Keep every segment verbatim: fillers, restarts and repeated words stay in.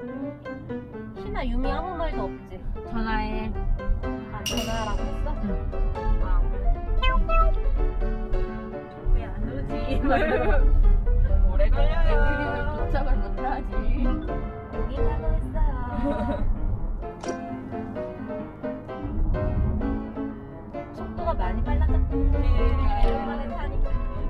희나 유미 아무 말도 없지? 전화해. 아 전화라고 했어? 응. 아 왜 안 오지? 오래 우리는 걸려요. 도착을 못하지. 여기 가고 있어요. 속도가 많이 빨라졌다. 오랜만에 타니까.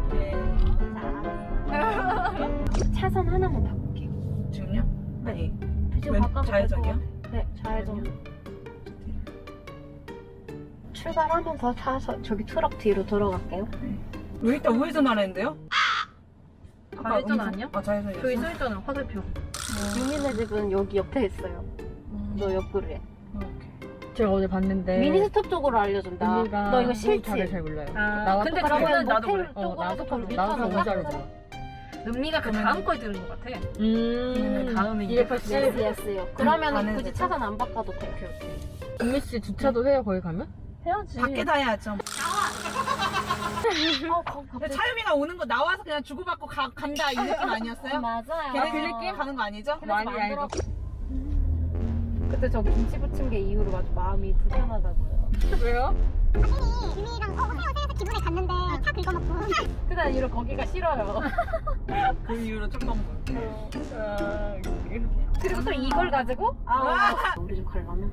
자, 차선 하나만 바꿀게요. 지금요? 아니 지금 왼- 바꿔도 좌회전이요? 될 것 같아요. 네, 좌회전. 출발하면서 차선 저기 트럭 뒤로 들어갈게요. 왜 이따 우회전 하랬는데요? 좌회전 아니야? 아 좌회전이었어? 저기 써있잖아, 화살표. 유민의 집은 여기 옆에 있어요. 음. 너 옆으로 해. 오케이. 제가 어제 봤는데. 미니스톱 쪽으로 알려준다. 언니가 너 이거 자를 싫지? 잘 몰라요. 아, 나와 근데 똑같이 그러면 그거는 나도 모텔 그래. 어, 쪽으로 나도 좀 똑같아. 나도 유턴하자? 너무 잘 몰라. 은미가 그 다음 거에 들은 것 같아. 음. 다음에 이제 이백팔십. 예스 예스요. 그러면 가는 굳이 거죠? 차선 안 바꿔도 돼. 은미 씨 주차도 해요, 거기 가면? 해야지. 밖에 다 해야죠. 어, 거기 근데 갑자기. 차유미가 오는 거 나와서 그냥 주고받고 가, 간다 이 느낌 아니었어요? 맞아요. 걔네들끼리 가는 거 아니죠? 많이 알고. 그때 저 김치 부친 게 이후로 아주 마음이 불편하다고요. 왜요? 유미랑 어 헤어져서 기분에 갔는데 차 긁어먹고 그날 이후로 거기가 싫어요. 그 이후로 쪽방문. 아, 그리고 또 이걸 가지고 아 우리 집 가려면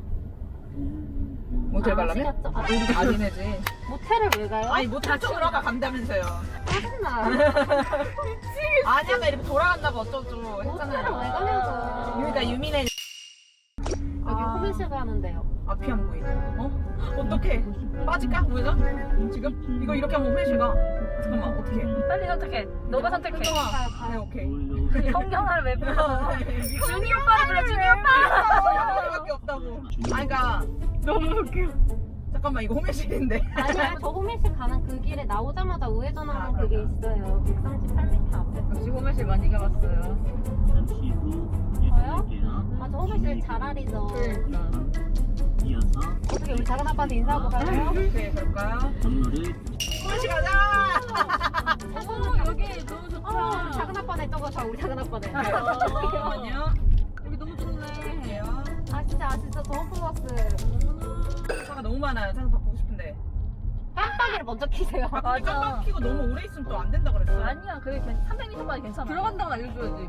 모텔 아, 가려면? 시켰죠? 아, 우리 아니네지. 모텔을 왜 가요? 아니 모텔 쪽으로 가 간다면서요. 짜증나. 아니야 나 이렇게 돌아간다고 어쩌고 모텔을 왜 했잖아요. 가냐고. 그러니까 유미네 여기 아. 호밀실 가는데요. 앞이 안 보이네. 어? 어떡해? 빠질까? 우회전? 지금? 이거 이렇게 하면 회실 가. 잠깐만 어떡해? 빨리 선택해. 너가 선택해. 현정아. 가요, 네 가요. 오케이. 성경을 왜 불러? 준이 오빠를 불러. 준이 아, 오빠. 밖에 없다고. 아니 그니까 너무 웃겨. 잠깐만 이거 호밀실인데. 아니야, 저 호밀실 가는 그 길에 나오자마자 우회전하는 아, 그게 그런가? 있어요. 백삼십팔 미터 앞에. 역시 호멜씨 많이 가봤어요. 저요? 아, 저 호밀실 잘 알이죠. 그러니까. 어떻게 우리 작은 아빠한테 인사하고 가요? 오케이 그럴까요? 호밀실 가자. 어, 여기 너무 좋다. 어, 우리 작은 아빠네 저거 저 우리 작은 아빠네. 잠깐만요. 여기 너무 좋네. 볼게요. 아 진짜 아 진짜 저 홈플러스. 차가 너무 많아요. 차서 바꾸고 싶은데. 깜빡이를 먼저 키세요. 아, 근데 맞아. 깜빡 켜고 너무 오래 있으면 또 안 된다 그랬어. 아니야. 그게 괜- 삼백 미터까지 괜찮아. 들어간다고 알려줘야지.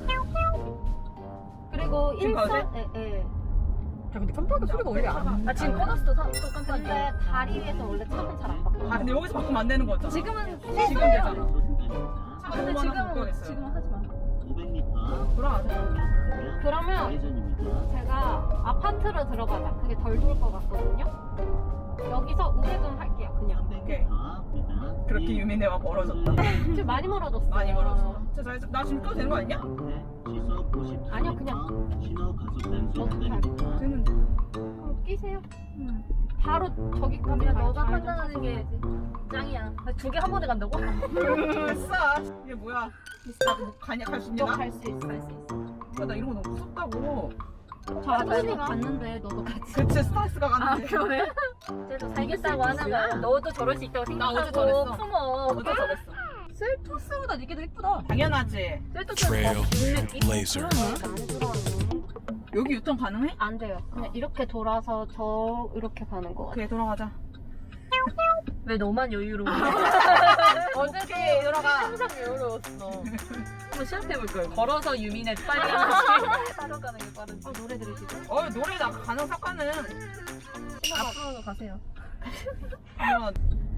그리고 지금 가도 일선 예 예. 자, 근데 깜빡이 소리가 원래 안. 아 지금 꺼놨어. 사- 또 깜빡이. 근데 다리 위에서 원래 차는 잘 안 바꿔. 아 근데 여기서 바꾸면 안 되는 거죠? 지금은 지금 되잖아. 차가 근데 너무 많아서 못 지금 가겠어요. 지금 하지 마. 돌아가자. 그러면 제가 아파트로 들어가자. 그게 덜 좋을 것 같거든요. 여기서 우회전 할게요. 그냥. 오케이. 그렇게 유민애와 멀어졌다. 좀 많이 멀어졌어. 많이 멀어졌어. 저, 저, 나 지금 껴도 되는 거 아니냐? 아니요 그냥 어떻게 할 거야? 되는데. 그럼 끼세요. 응. 바로 저기까지 그냥 가요. 너가 좌회전 판단하는 차선 게 해야지. 짱이야. 두 개 한 번에 간다고? 됐어. 이게 뭐야? 나뭐 가냐? 갈 수 있냐? 나? 너갈 수 있어. 갈 수 있어. 아, 나 이런 거 너무 무섭다고. 저 아저씨가 갔는데 너도 같이. 그치 스트레스가 아 가는데. 그러네. 쟤도 살겠다고 하는 거야. 너도 저럴 수 있다고 나 어제 생각하고 저랬어. 품어. 어제 저랬어. 셀토스보다 이게 더 예쁘다. 당연하지. Trail Blazer. 안 들어왔네. 여기 유턴 가능해? 안 돼요. 그냥 이렇게 돌아서 저 이렇게 가는 거 같아. 오케이 돌아가자. 왜 너만 여유로워? 오케이 돌아가. 항상 여유로웠어. 한번 시합해볼 걸. 걸어서 유민의 빨리 가는지 따라가는 게 빠른지. 아 노래 들으시죠? 어 노래 나 가능 삭가는. 앞으로 가세요. 한번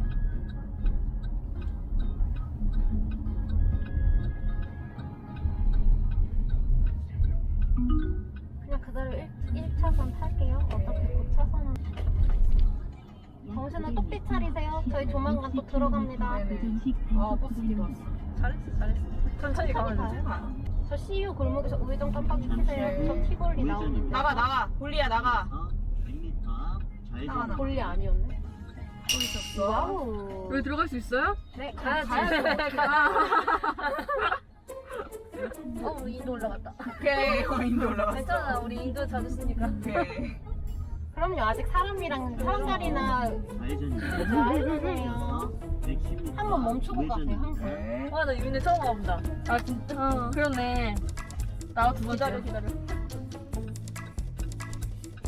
그냥 그대로 일 차선 탈게요. 어차피 그 차선은. 정신을 똑띠 차리세요. 저희 조만간 또 들어갑니다. 네네. 아 버스 들어왔어. 잘했어, 잘했어. 천천히 가면 되지. 아, 저 씨유 골목에서 우회전 깜빡이 켜세요. 저 티볼리 나오는데. 나가 나가. 볼리야 나가. 나가 나. 볼리 아니었네. 또 있었어. 와우. 여기 들어갈 수 있어요? 네, 가야지. 가야지. 어, 우리 인도 올라갔다. 오케이. 어, 인도 올라갔어. 괜찮아, 우리 인도 자주 쓰니까. 오케이. 그럼요. 아직 사람이랑 사람살이나 해주세요. 한번 멈추고 가세요. 항상. 오케이. 와, 나 유민의 처음 가본다. 아, 진짜? 어. 그러네. 나도 두 번째. 기다려, 기다려.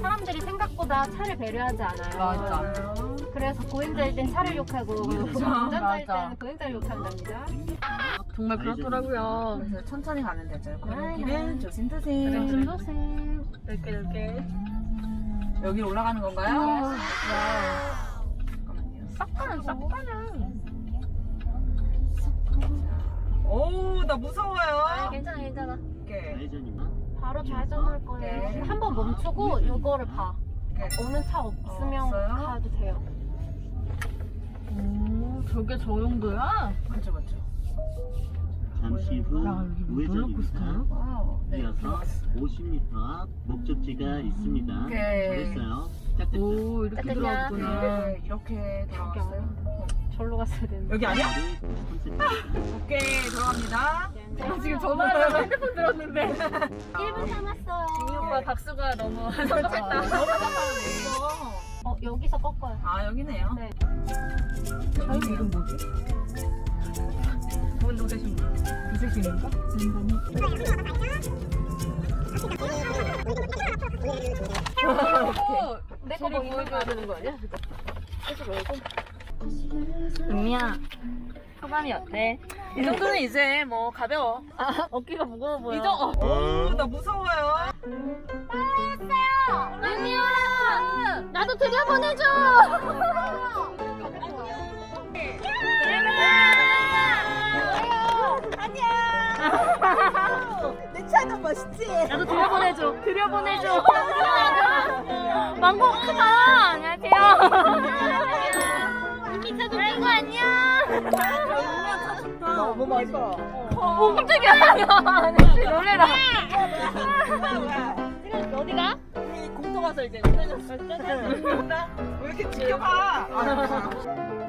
사람들이 생각보다 차를 배려하지 않아요. 맞아. 그래서 보행자일 땐 차를 욕하고 운전자일 맞아. 때는 보행자를 욕한답니다. 정말 그렇더라고요. 그래서 천천히 가면 되죠. 아유. 골목길은 조심조심. 조심. 이렇게 이렇게. 여기 올라가는 건가요? 잠깐만요. 싹가는 싹가는. 오, 나 무서워요. 괜찮아 괜찮아. 오케이. 바로 좌회전할 거예요. 오케이. 한 번 멈추고 이거를 봐. 오케이. 오는 차 없으면 어, 없어요? 가도 돼요. 오, 저게 저 정도야? 맞죠, 맞죠. 잠시 후 야, 여기 뭐 우회전입니다. 롤러코스터야? 와우. 네. 이어서 오십 미터 앞 목적지가 있습니다. 오케이. 잘했어요. 시작됐죠? 오, 이렇게 됐냐? 들어왔구나. 네, 이렇게 돌아갔어요. 절로 갔어야 되는데. 여기 아니야? 네, 컨셉입니다. 오케이, 들어갑니다. 아, 지금 전화하려고 핸드폰 들었는데. 일 분 남았어요. 이 오빠 박수가 너무 너무 성급했다. 잘하네. 어 여기서 꺾어요. 아, 여기네요. 네. 저희 이름 뭐지? 분 도대신 분. 이세신인가? 내거 뭐 있는 거 되는 거 아니야? 은미야, 소감이 어때? 이 정도는 이제 뭐 가벼워. 어깨가 무거워 보여. 이 정도. 오, 나 무서워요. 은미야! 나도 들여보내줘! 나도 들여보내줘. 들여보내줘. 망고 크다. 안녕하세요. 은미 차도 들고 안녕! 너무 맛있어. 오 깜짝이야. 놀래라. 어디가? 공터 가서 이제 왜 이렇게 지켜봐. 아,